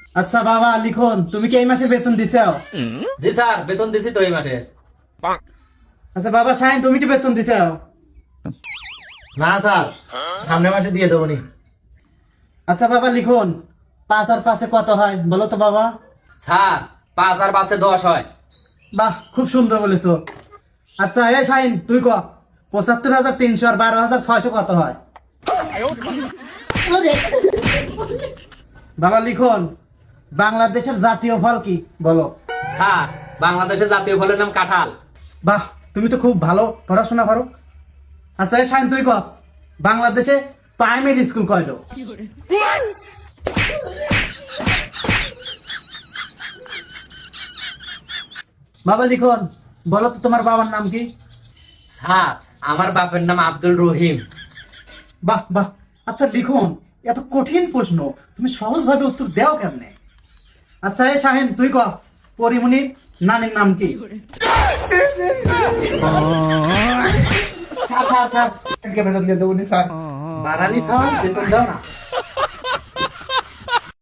আচ্ছা বাবা লিখন, তুমি কি এই মাসে বেতন দিছাও? জি স্যার, বেতন দিছি তো এই মাসে। আচ্ছা বাবা শাহিন, তুমি কি বেতন দিছাও? না স্যার, সামনের মাসে দিয়ে দেবো নি। আচ্ছা বাবা লিখন, 5 আর 5 কত হয় বলো তো বাবা? স্যার 5 আর 5 10 হয়। বাহ, খুব সুন্দর বলেছো। আচ্ছা এই শাহিন তুই ক, 75,300 আর 12,600 কত হয়? বাবা লিখন, বাংলাদেশের জাতীয় ফল কি বলো? স্যার বাংলাদেশের জাতীয় ফলের নাম কাঁঠাল। বাহ, তুমি তো খুব ভালো পড়াশোনা করো। আচ্ছা এই শাহিন তুই ক, বাংলাদেশে প্রাইমারি স্কুল কয়টো? বাবা লিখন, বলো তো তোমার বাবার নাম কি? স্যার আমার বাপের নাম আব্দুল রহিম। বাহ বাহ। আচ্ছা লিখন, এত কঠিন প্রশ্ন তুমি সহজ ভাবে উত্তর দাও কেমনে? আচ্ছা এই শাহিন তুই ক, পরিমণির নানির নাম কি? স্যার স্যার স্যার, বেতন দিয়ে দেবো নি স্যার। বারানি সাহেব বেতন দাও না।